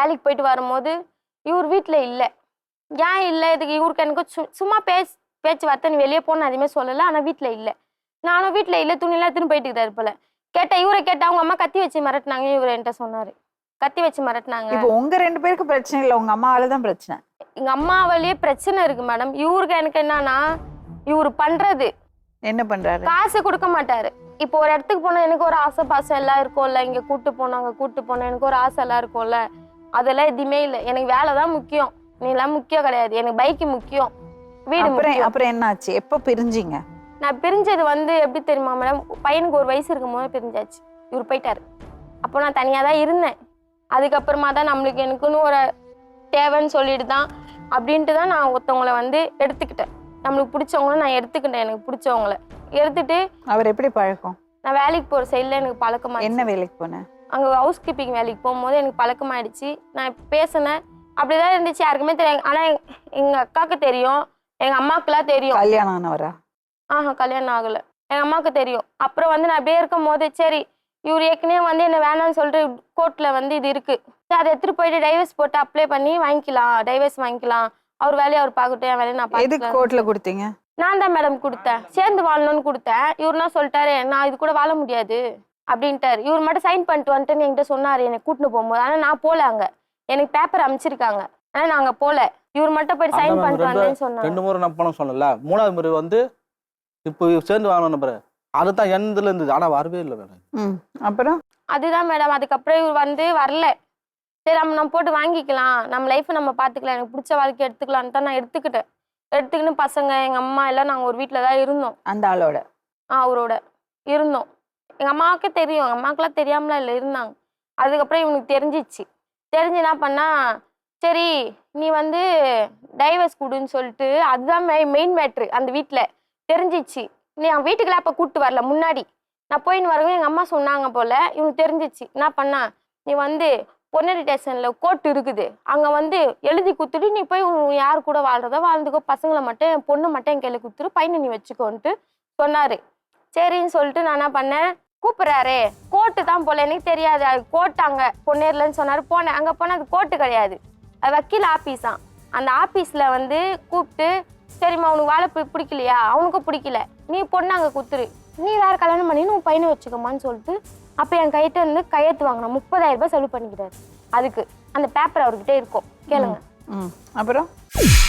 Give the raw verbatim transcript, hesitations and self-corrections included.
வேலைக்கு போயிட்டு வரும்போது இவர் வீட்டில் இல்லை. ஏன் இல்லை இதுக்கு இவருக்கு எனக்கு சு சும்மா பேச்சு பேச்சுவார்த்தை நீ வெளியே போன அதுவுமே சொல்லலை. ஆனால் வீட்டில் இல்லை. நானும் வீட்டில் இல்லை துணியெல்லாம் எடுத்துன்னு போயிட்டுக்கிட்டாரு போல. கேட்டேன் இவரை கேட்டால் அவங்க அம்மா கத்தி வச்சு மிரட்டினாங்க. இவர் என்கிட்ட சொன்னார் கத்தி வச்சு மிரட்டினாங்க. இப்போ உங்க ரெண்டு பேருக்கு பிரச்சனை இல்லை, உங்க அம்மாவால தான் பிரச்சனை. எங்க அம்மாவாலேயே பிரச்சனை இருக்கு மேடம். இவருக்கு எனக்கு என்னன்னா இவரு பண்றது என்ன பண்றாரு, காசு கொடுக்க மாட்டாரு. இப்போ ஒரு இடத்துக்கு போனா எனக்கு ஒரு ஆசை பாசம் எல்லாம் இருக்கும்ல, இங்க கூட்டு போனோம் அங்க கூட்டு போனோம் எனக்கு ஒரு ஆசை எல்லாம் இருக்கும்ல, அதெல்லாம் எதுவுமே இல்லை. எனக்கு வேலை தான் முக்கியம், நீ எல்லாம் முக்கியம் கிடையாது. எனக்கு பைக்கு முக்கியம், வீடு முக்கியம். அப்புறம் என்ன ஆச்சு, எப்போ பிரிஞ்சிங்க? நான் பிரிஞ்சது வந்து எப்படி தெரியுமா மேடம், பையனுக்கு ஒரு வயசு இருக்கும் போது பிரிஞ்சாச்சு. இவர் போயிட்டாரு. அப்போ நான் தனியா தான் இருந்தேன். அதுக்கப்புறமா தான் நம்மளுக்கு எனக்குன்னு ஒரு தேவைன்னு சொல்லிட்டு தான் அப்படின்ட்டு தான் நான் ஒருத்தவங்களை வந்து எடுத்துக்கிட்டேன். நம்மளுக்கு பிடிச்சவங்கள நான் எடுத்துக்கிட்டேன். எனக்கு பிடிச்சவங்கள எடுத்துட்டு. அவர் எப்படி பழக்கம்? நான் வேலைக்கு போகிற சைடில் எனக்கு பழக்கமா. என்ன வேலைக்கு போனேன்? அங்கே ஹவுஸ் கீப்பிங் வேலைக்கு போகும்போது எனக்கு பழக்கமாயிடுச்சு. நான் பேசினேன் அப்படிதான் இருந்துச்சு, யாருக்குமே தெரியாது. ஆனால் எங்கள் அக்காவுக்கு தெரியும், எங்கள் அம்மாவுக்குலாம் தெரியும். கல்யாணம் ஆனவரா? ஆஹா கல்யாணம் ஆகலை. எங்கள் அம்மாவுக்கு தெரியும். அப்புறம் வந்து நான் அப்படியே இருக்கும் போது சரி இவர் ஏற்கனவே வந்து என்ன வேணாம்னு சொல்லிட்டு கோர்ட்டில் வந்து இது இருக்குது, அதை எடுத்துகிட்டு போயிட்டு டைவர்ஸ் போட்டு அப்ளை பண்ணி வாங்கிக்கலாம், டைவர்ஸ் வாங்கிக்கலாம், அவர் வேலையை அவர் பார்க்கட்டும், என் வேலையை நான் பார்த்துக்கலாம். கோர்ட்டில் கொடுத்தீங்க? நான் தான் மேடம் கொடுத்தேன், சேர்ந்து வாழணும்னு கொடுத்தேன். இவருனா சொல்லிட்டாரு நான் இது கூட வாழ முடியாது அப்படின்ட்டாரு. இவர் மட்டும் சைன் பண்ணிட்டு வந்துட்டுன்னு என்கிட்ட சொன்னார் என்னை கூட்டின்னு போகும்போது. ஆனால் நான் போகல, அங்கே எனக்கு பேப்பர் அமைச்சிருக்காங்க ஆனால் நான் அங்கே போகல. இவர் மட்டும் போயிட்டு சைன் பண்ணிட்டு வந்தேன்னு சொன்னாங்க. ரெண்டு முறை நான் பணம் சொன்னல, மூணாவது முறை வந்து இப்போ சேர்ந்து வாங்கணும் நம்புறேன், அதுதான் எந்ததுல இருந்தது. ஆனால் வரவே இல்லை மேடம். அப்புறம் அதுதான் மேடம், அதுக்கப்புறம் இவர் வந்து வரல. சரி நம்ம நம்ம போட்டு வாங்கிக்கலாம், நம்ம லைஃப்பை நம்ம பார்த்துக்கலாம், எனக்கு பிடிச்ச வாழ்க்கை எடுத்துக்கலான்னு தான் நான் எடுத்துக்கிட்டேன். எடுத்துக்கின்னு பசங்க எங்கள் அம்மா எல்லாம் நாங்கள் ஒரு வீட்டில் தான் இருந்தோம். அந்த ஆளோட? ஆ அவரோட இருந்தோம். எங்கள் அம்மாவுக்கே தெரியும், எங்கள் அம்மாவுக்குலாம் தெரியாமலாம் இல்லை, இருந்தாங்க. அதுக்கப்புறம் இவனுக்கு தெரிஞ்சிச்சு. தெரிஞ்சு என்ன பண்ணா, சரி நீ வந்து டைவர்ஸ் கொடுன்னு சொல்லிட்டு, அதுதான் மெய் மெயின் மேட்ரு. அந்த வீட்டில் தெரிஞ்சிச்சு. நீ அவன் வீட்டுக்குலாம் அப்போ கூப்பிட்டு வரல, முன்னாடி நான் போயின்னு வரவும் எங்கள் அம்மா சொன்னாங்க போல். இவனுக்கு தெரிஞ்சிச்சு. என்ன பண்ணா, நீ வந்து பொன்னேரி ஸ்டேஷனில் கோர்ட் இருக்குது, அங்கே வந்து எழுதி கொடுத்துட்டு நீ போய் யார் கூட வாழ்றதோ வாழ்ந்துக்கோ, பசங்களை மட்டும் என் பொண்ணு மட்டும் என் கையில் கொடுத்துரு, பையனை நீ வச்சுக்கோன்ட்டு சொன்னார். சரின்னு சொல்லிட்டு நான் என்ன பண்ணேன், கூப்பிட்றாரு கோர்ட்டு தான் போல, எனக்கு தெரியாது அது கோர்ட்டு அங்கே பொன்னேரிலன்னு சொன்னார். போனேன், அங்கே போனால் அது கோர்ட்டு கிடையாது, அது வக்கீல் ஆஃபீஸ் தான். அந்த ஆஃபீஸில் வந்து கூப்பிட்டு, சரிம்மா உனக்கு வாழை பிடிக்கலையா, அவனுக்கும் பிடிக்கல, நீ பொண்ணு அங்கே கொடுத்துரு, நீ வேறு கல்யாணம் பண்ணி உன் பையனை வச்சுக்கோமான்னு சொல்லிட்டு அப்போ என் கையிட்ட இருந்து கையெழுத்து வாங்கினா முப்பதாயிரம் ரூபாய் செலவு பண்ணிக்கிறாரு. அதுக்கு அந்த பேப்பர் அவர்கிட்ட இருக்கும், கேளுங்க. அப்புறம்